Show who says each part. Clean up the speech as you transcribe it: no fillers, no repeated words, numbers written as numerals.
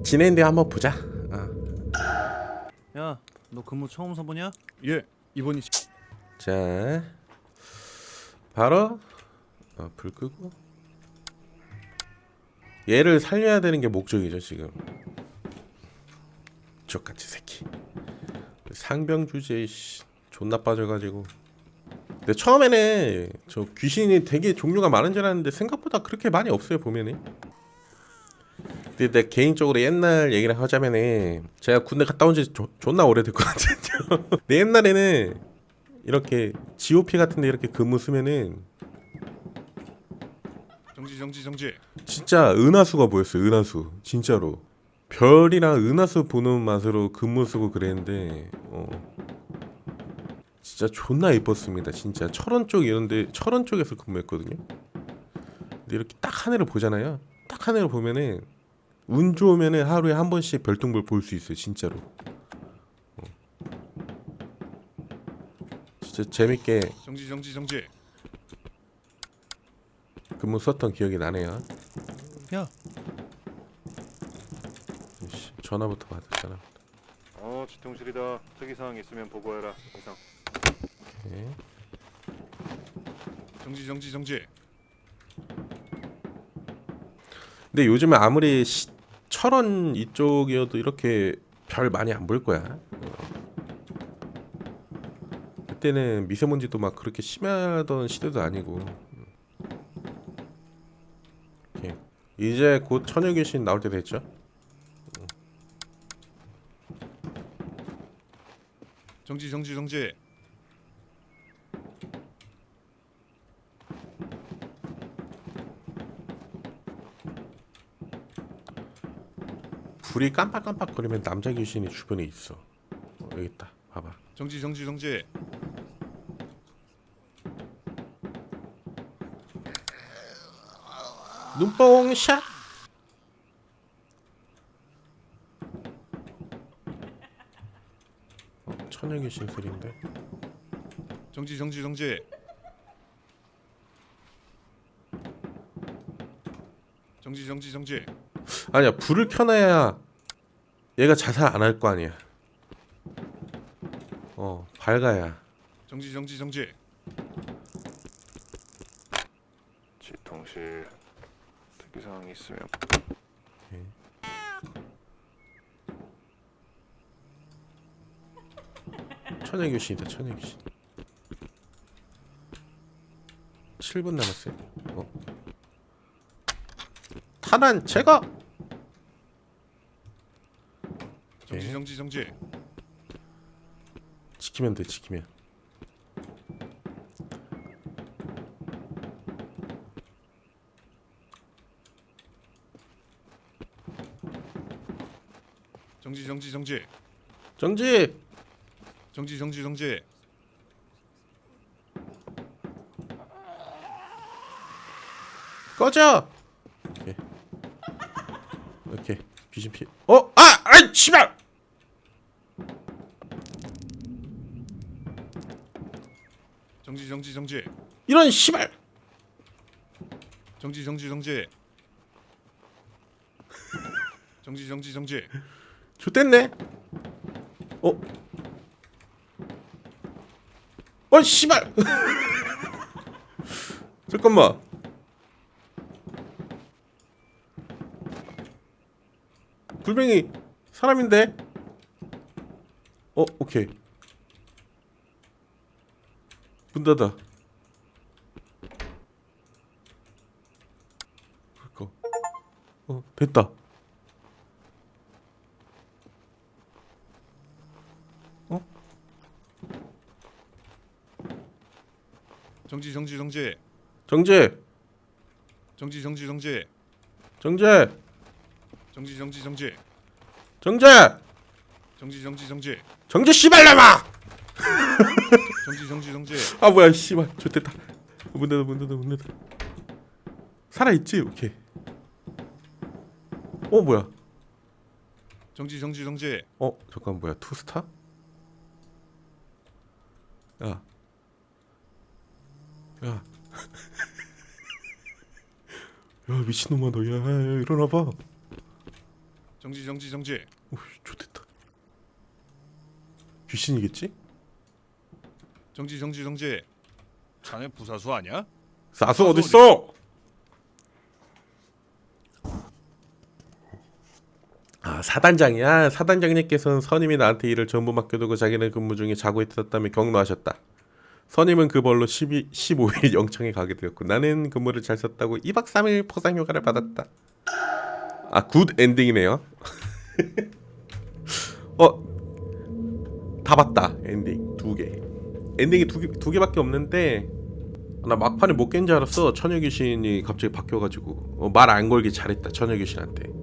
Speaker 1: 지내는데 한번 보자.
Speaker 2: 야, 너 근무 처음 서보냐?
Speaker 3: 예, 이번이
Speaker 1: 자, 바로 불 끄고 얘를 살려야 되는 게 목적이죠 지금. 저같이 새끼. 상병 주제에 존나 빠져가지고. 근데 처음에는 저 귀신이 되게 종류가 많은 줄 알았는데 생각보다 그렇게 많이 없어요 보면은. 근데 내 개인적으로 옛날 얘기를 하자면은 제가 군대 갔다 온 지 존나 오래됐거든요. 근데 옛날에는 이렇게 GOP 같은데 이렇게 근무 쓰면은
Speaker 3: 정지.
Speaker 1: 진짜 은하수가 보였어요. 은하수 진짜로 별이랑 은하수 보는 맛으로 근무 쓰고 그랬는데 진짜 존나 이뻤습니다. 진짜 철원 쪽 이런데 철원 쪽에서 근무했거든요. 근데 이렇게 딱 하늘을 보잖아요. 딱 하늘을 보면은 운 좋으면은 하루에 한 번씩 별똥별 볼 수 있어요. 진짜로. 진짜 재밌게
Speaker 3: 정지.
Speaker 1: 근무 썼던 기억이 나네요.
Speaker 2: 야,
Speaker 1: 씨, 전화부터 받아. 전화부터.
Speaker 4: 지통실이다. 특이사항 있으면 보고해라. 이상.
Speaker 1: 오케이.
Speaker 3: 정지.
Speaker 1: 근데 요즘에 아무리 철원 이쪽이어도 이렇게 별 많이 안 볼 거야. 그때는 미세먼지도 막 그렇게 심하던 시대도 아니고. 오케이. 이제 곧 처녀 귀신 나올 때 됐죠?
Speaker 3: 정지.
Speaker 1: 불이 깜빡깜빡거리면 남자 귀신이 주변에 있어. 여기 있다. 봐봐.
Speaker 3: 정지.
Speaker 1: 눈뽕 샷. 처녀 귀신 소리인데.
Speaker 3: 정지. 정지.
Speaker 1: 아니야, 불을 켜놔야 얘가 자살 안 할 거 아니야. 밝아야.
Speaker 3: 정지.
Speaker 4: 지통실. 특이사항 있으면
Speaker 1: 처녀 귀신이다. 처녀 귀신. 7분 남았어요. 탄환 제거.
Speaker 3: 정지.
Speaker 1: 지키면 돼. 지키면.
Speaker 3: 정지.
Speaker 1: 정지. 꺼져. 오케이. 귀신 피. 아이 씨발.
Speaker 3: 정지.
Speaker 1: 이런 씨발.
Speaker 3: 정지.
Speaker 1: 좋댔네. 씨발. 잠깐만. 불뱅이 사람인데. 오케이. 문 닫아. 그니까. 됐다.
Speaker 3: 정지.
Speaker 1: 정재.
Speaker 3: 정지.
Speaker 1: 정재. 정재. 정재 씨발놈아.
Speaker 3: 정지.
Speaker 1: 아 뭐야 씨발 좋됐다. 문 닫아. 살아있지? 오케이. 뭐야.
Speaker 3: 정지.
Speaker 1: 잠깐 뭐야 투스타? 야 야 미친놈아 너야 일어나봐.
Speaker 3: 정지.
Speaker 1: 오, 좋됐다. 귀신이겠지?
Speaker 3: 정지. 자네 부사수 아니야?
Speaker 1: 사수 어딨어? 아, 사단장이야. 사단장님께서는 선임이 나한테 일을 전부 맡겨두고 자기는 근무 중에 자고 있었다며 격노하셨다. 선임은 그 벌로 15일 영창에 가게 되었고 나는 근무를 잘 썼다고 2박 3일 포상휴가를 받았다. 아, 굿 엔딩이네요. 다 봤다. 엔딩 2개. 엔딩이 두 개밖에 없는데 나 막판에 못 깬 줄 알았어. 처녀 귀신이 갑자기 바뀌어가지고 말 안 걸기 잘했다. 처녀 귀신한테.